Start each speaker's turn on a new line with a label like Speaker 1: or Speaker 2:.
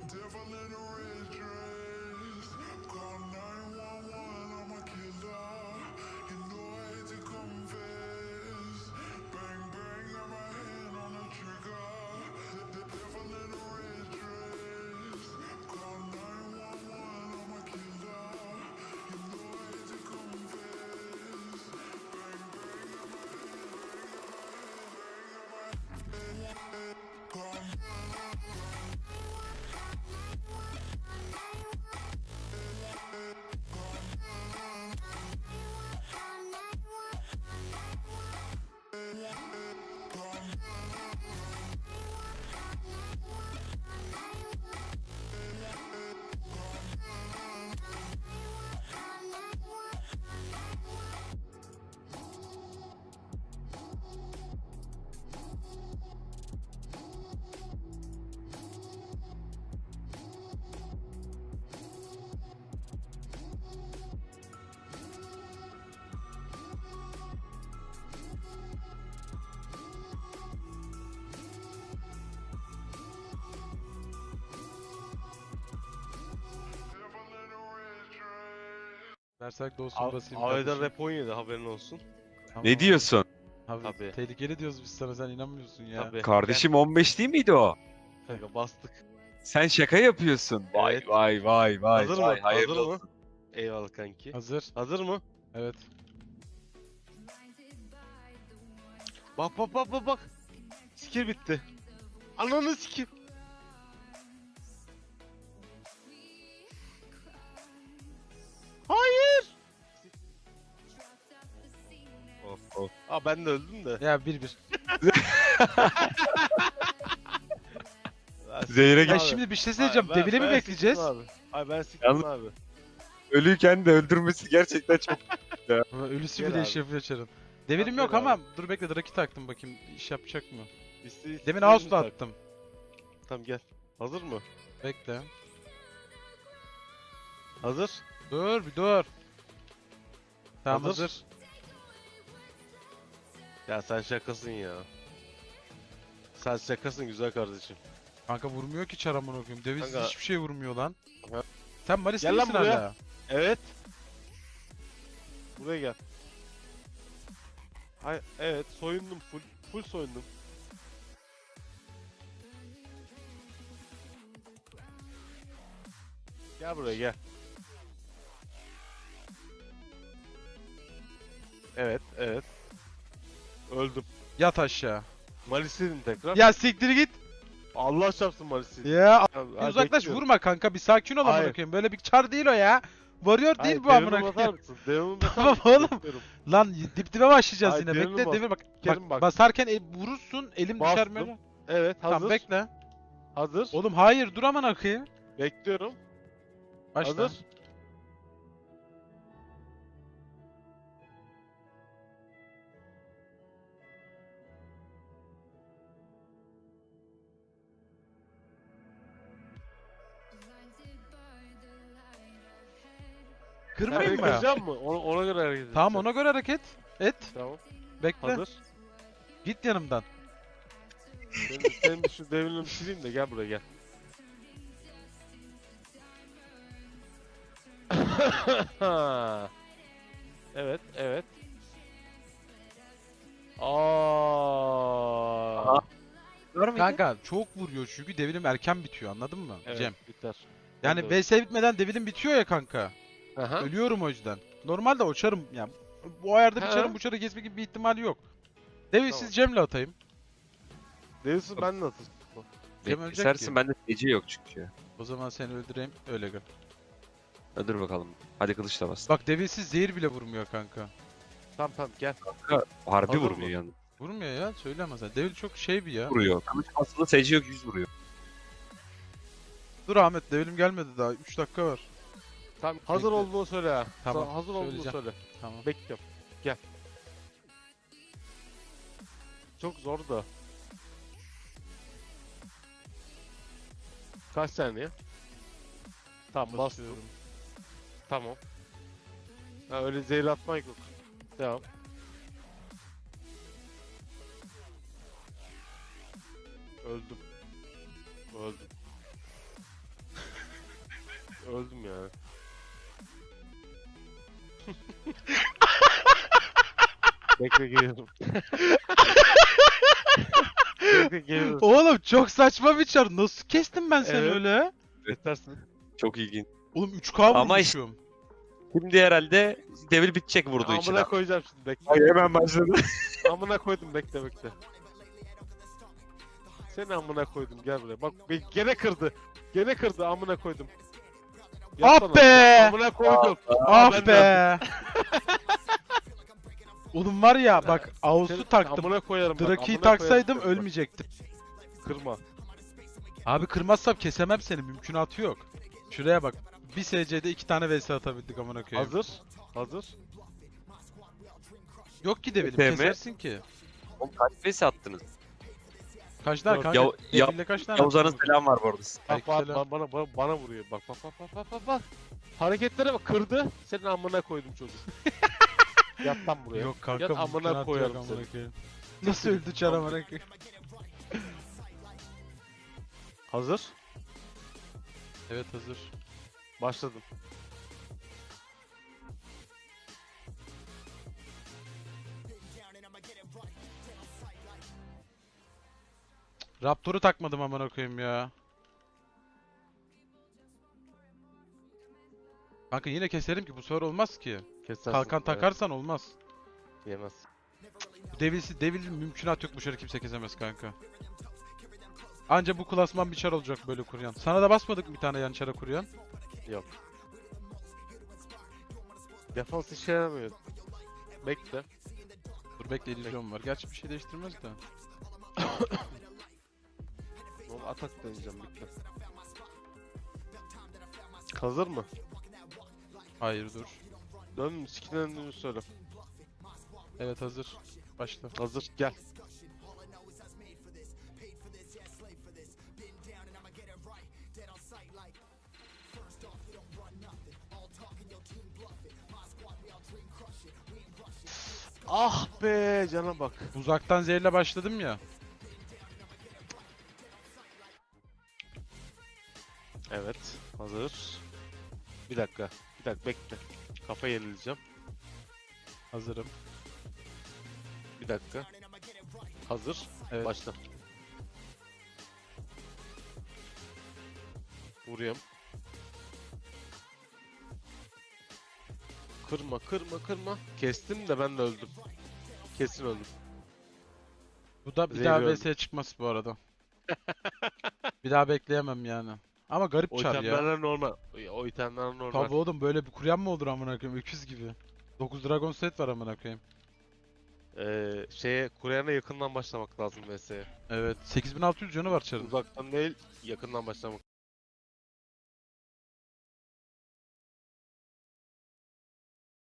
Speaker 1: Devil in a red dress. Call 911, I'm a killer. You know I hate to confess. Bang, bang, got my hand on the trigger. The devil in a red dress. Call 911, I'm a killer. You know I hate to confess. Bang, bang, got my hand, call
Speaker 2: Versek dostum basayım
Speaker 3: Aveda
Speaker 2: kardeşim.
Speaker 3: rap 17 haberin olsun.
Speaker 2: Tamam.
Speaker 4: Ne diyorsun?
Speaker 2: Abi
Speaker 3: Tabii.
Speaker 2: tehlikeli diyoruz biz sana, sen inanmıyorsun ya.
Speaker 3: Tabii.
Speaker 4: Kardeşim 15 değil miydi o?
Speaker 3: Gel kanka bastık.
Speaker 4: Sen şaka yapıyorsun. Vay
Speaker 3: Evet.
Speaker 4: vay vay vay.
Speaker 3: Hazır
Speaker 4: vay.
Speaker 3: mı?
Speaker 4: Hayırlı
Speaker 3: Hazır mı?
Speaker 4: olsun.
Speaker 3: Eyvallah kanki.
Speaker 2: Hazır.
Speaker 3: Hazır mı?
Speaker 2: Evet.
Speaker 3: Bak bak bak bak bak. Sikir bitti. Ananı sikir. Hayır.
Speaker 4: Of of.
Speaker 3: Aa ben de öldüm de.
Speaker 2: Ya 1-1.
Speaker 4: Zehre
Speaker 2: Ya
Speaker 4: git.
Speaker 2: şimdi bir şey söyleyeceğim. Devile mi bekleyeceğiz?
Speaker 3: Abi. Ay ben siktim
Speaker 4: Yalnız-
Speaker 3: abi.
Speaker 4: Ölüyken de öldürmesi gerçekten çok...
Speaker 2: Ölüsü
Speaker 3: Gel
Speaker 2: bile
Speaker 3: abi.
Speaker 2: iş yapıyor Çar'ın. Devilim
Speaker 3: Gel
Speaker 2: yok
Speaker 3: abi.
Speaker 2: ama dur bekle, Draki taktım bakayım iş yapacak mı?
Speaker 3: İstediğiniz
Speaker 2: Demin
Speaker 3: tak.
Speaker 2: Ağustos'ta attım.
Speaker 3: Tamam gel. Hazır mı?
Speaker 2: Bekle.
Speaker 3: Hazır.
Speaker 2: Dur bir dur. Tamam
Speaker 3: Hazır.
Speaker 2: hazır.
Speaker 3: Ya sen şakasın ya. Sen şakasın güzel kardeşim.
Speaker 2: Kanka vurmuyor ki Çar, amına koyayım. Deviz
Speaker 3: Kanka-
Speaker 2: hiçbir şey vurmuyor lan.
Speaker 3: Ha.
Speaker 2: Sen Maris
Speaker 3: Gel lan
Speaker 2: misin
Speaker 3: buraya.
Speaker 2: hala?
Speaker 3: Evet. Buraya gel. Hay evet soyundum full soyundum. Gel buraya gel. Evet evet. Öldüm.
Speaker 2: Yat aşağı.
Speaker 3: Malis'in tekrar.
Speaker 2: Ya siktir git.
Speaker 3: Allah çarpsın Malis'in.
Speaker 2: Ya uzaklaş, vurma kanka, bir sakin ol amına
Speaker 3: Hayır.
Speaker 2: koyayım. Böyle bir Çar değil o ya. Varıyor değil bu amına koyayım.
Speaker 3: Devamını
Speaker 2: Tamam oğlum. Lan dip dibe başlayacağız
Speaker 3: Hayır,
Speaker 2: yine.
Speaker 3: devrini
Speaker 2: Bekle
Speaker 3: bas.
Speaker 2: devir bak.
Speaker 3: Kerim bak.
Speaker 2: Basarken vurursun, elim düşer
Speaker 3: Bastım.
Speaker 2: böyle.
Speaker 3: Evet hazır.
Speaker 2: Tamam bekle.
Speaker 3: Hazır.
Speaker 2: Oğlum hayır, dur amına koyayım.
Speaker 3: Bekliyorum.
Speaker 2: Başla.
Speaker 3: Hazır. Sen
Speaker 2: Kırmayayım
Speaker 3: beni
Speaker 2: mı?
Speaker 3: kıracaksın mı? Ona göre hareket edeceğim.
Speaker 2: Tamam, ona göre hareket et.
Speaker 3: Tamam.
Speaker 2: Bekle.
Speaker 3: Hazır.
Speaker 2: Git yanımdan.
Speaker 3: Senin şu devrini bitireyim de gel buraya gel. Evet, evet. Aa.
Speaker 2: Kanka çok vuruyor çünkü devilim erken bitiyor, anladın mı
Speaker 3: Evet,
Speaker 2: Cem?
Speaker 3: biter.
Speaker 2: Yani
Speaker 3: Ben de-
Speaker 2: VS bitmeden devilim bitiyor ya kanka.
Speaker 3: Aha.
Speaker 2: Ölüyorum o yüzden. Normalde uçarım yani. Bu ayarda bir
Speaker 3: Ha.
Speaker 2: çarım, bu çarı kesme gibi bir ihtimali yok. Devilsiz
Speaker 3: Tamam.
Speaker 2: Cem'le atayım.
Speaker 3: Değilsin ben de atayım.
Speaker 2: Cem ölecek
Speaker 4: Kesersin,
Speaker 2: ki.
Speaker 4: bende DC yok çünkü.
Speaker 2: O zaman seni öldüreyim, öyle gör.
Speaker 4: Dur bakalım. Hadi kılıçla bas.
Speaker 2: Bak devilsiz zehir bile vurmuyor kanka.
Speaker 3: Tamam gel.
Speaker 4: Harbi
Speaker 3: Hazır
Speaker 4: vurmuyor
Speaker 3: mı?
Speaker 4: yani.
Speaker 2: Vurmuyor ya, söyleme sen. Devil çok şey bir ya.
Speaker 4: Vuruyor. Kılıç basılı SC yok 100 vuruyor.
Speaker 2: Dur Ahmet, devilim gelmedi daha, 3 dakika var.
Speaker 3: Tamam hazır
Speaker 2: Bekle.
Speaker 3: olduğunu söyle ha.
Speaker 2: Tamam,
Speaker 3: Hazır olduğunu
Speaker 2: söyleyeceğim.
Speaker 3: söyle.
Speaker 2: Tamam.
Speaker 3: Bekliyorum. Gel. Çok zor da. Kaç saniye? Tamam bastım.
Speaker 2: Basıyorum.
Speaker 3: Tamam. Ha, öyle zehir atmak yok. Devam. Öldüm. Öldüm. öldüm ya. Bekle geliyorum. Bekle geliyorum.
Speaker 2: Oğlum çok saçma bir çar. Nasıl kestim ben seni
Speaker 3: Evet.
Speaker 2: öyle?
Speaker 3: Yetersin.
Speaker 4: Çok ilginç.
Speaker 2: Oğlum 3K
Speaker 4: Ama işte-
Speaker 2: vurmuşum.
Speaker 4: Şimdi herhalde devil bitecek vurduğu için.
Speaker 3: Amına koyacağım şimdi bekle.
Speaker 4: Ay hemen başladı.
Speaker 3: Amına koydum bekle bekle. Seni amına koydum gel buraya. Bak gene kırdı. Gene kırdı amına koydum.
Speaker 2: Ah
Speaker 3: Yapsana.
Speaker 2: be!
Speaker 3: Amına koydum.
Speaker 2: Ah
Speaker 3: ben de-
Speaker 2: be! Oğlum var ya bak
Speaker 3: Seni
Speaker 2: Ağustos'u taktım.
Speaker 3: Amına koyarım bak.
Speaker 2: Draki'yi
Speaker 3: amına
Speaker 2: taksaydım
Speaker 3: koyarım.
Speaker 2: ölmeyecektim.
Speaker 3: Kırma.
Speaker 2: Abi kırmazsam kesemem seni, mümkünatı yok. Şuraya bak. Bir SC'de 2 tane vs atabildik amına koyayım.
Speaker 3: Hazır. Hazır.
Speaker 2: Yok ki devilim,
Speaker 4: TM.
Speaker 2: kesersin ki.
Speaker 4: Oğlum kaç vs attınız?
Speaker 2: Kaç tane
Speaker 3: Yok,
Speaker 2: kanka?
Speaker 4: Ya-
Speaker 2: Devirle kaç tane
Speaker 4: Yavuzhan'ın
Speaker 2: attın?
Speaker 4: selam var bu arada.
Speaker 3: Bak bak
Speaker 2: Aleykümselam.
Speaker 3: bana vuruyor. Bak bak bak bak bak bak bak. Hareketlere bak kırdı. Senin amına koydum çocuk. Yat lan buraya.
Speaker 2: Yok kanka,
Speaker 3: Yat amına
Speaker 2: mümkünatı yok
Speaker 3: koyarım
Speaker 2: amına
Speaker 3: seni.
Speaker 2: koyayım. Nasıl öldü çar amına koyayım?
Speaker 3: Hazır.
Speaker 2: Evet hazır.
Speaker 3: Başladım.
Speaker 2: Raptor'u takmadım amına koyayım ya. Kanka yine keserim ki, bu sefer olmaz ki.
Speaker 3: Kesersin.
Speaker 2: Kalkan
Speaker 3: Evet,
Speaker 2: takarsan olmaz.
Speaker 3: Yemez.
Speaker 2: Bu devilin mümkünat yok, bu şarı kimse kesemez kanka. Anca bu klasman bir çar olacak böyle kuruyan. Sana da basmadık mı bir tane yan çara kuruyan?
Speaker 3: Yok. Defans işe yaramıyor. Bekle.
Speaker 2: Dur bekle, illüzyon var. Gerçi bir şey değiştirmez de.
Speaker 3: Oğlum atak deneyeceğim bekle. Hazır mı?
Speaker 2: Hayır dur.
Speaker 3: Dön sikine döndüğünü söyle.
Speaker 2: Evet hazır. Başla.
Speaker 3: Hazır gel. Ah be cana bak.
Speaker 2: Uzaktan zehirle başladım ya.
Speaker 3: Evet hazır. Bir dakika. Bir dakika bekle. Kafa yenileceğim.
Speaker 2: Hazırım.
Speaker 3: Bir dakika. Hazır.
Speaker 2: Evet.
Speaker 3: Başla. Vuruyorum. Kırma kırma kırma. Kestim de ben de öldüm. Kesin öldüm.
Speaker 2: Bu da bir
Speaker 3: Zehri
Speaker 2: daha
Speaker 3: öldü.
Speaker 2: VS'ye çıkmaz bu arada. Bir daha bekleyemem yani. Ama garip
Speaker 3: O
Speaker 2: çar ya.
Speaker 3: itemlerle normal. O itemlerle normal.
Speaker 2: Tabii oğlum, böyle bir kuryan mı olur amına koyayım, öküz gibi. 9 Dragon set var amına koyayım.
Speaker 3: Şeye Kuryana yakından başlamak lazım VS'ye.
Speaker 2: Evet, 8600 canı var çarın.
Speaker 3: Uzaktan değil yakından başlamak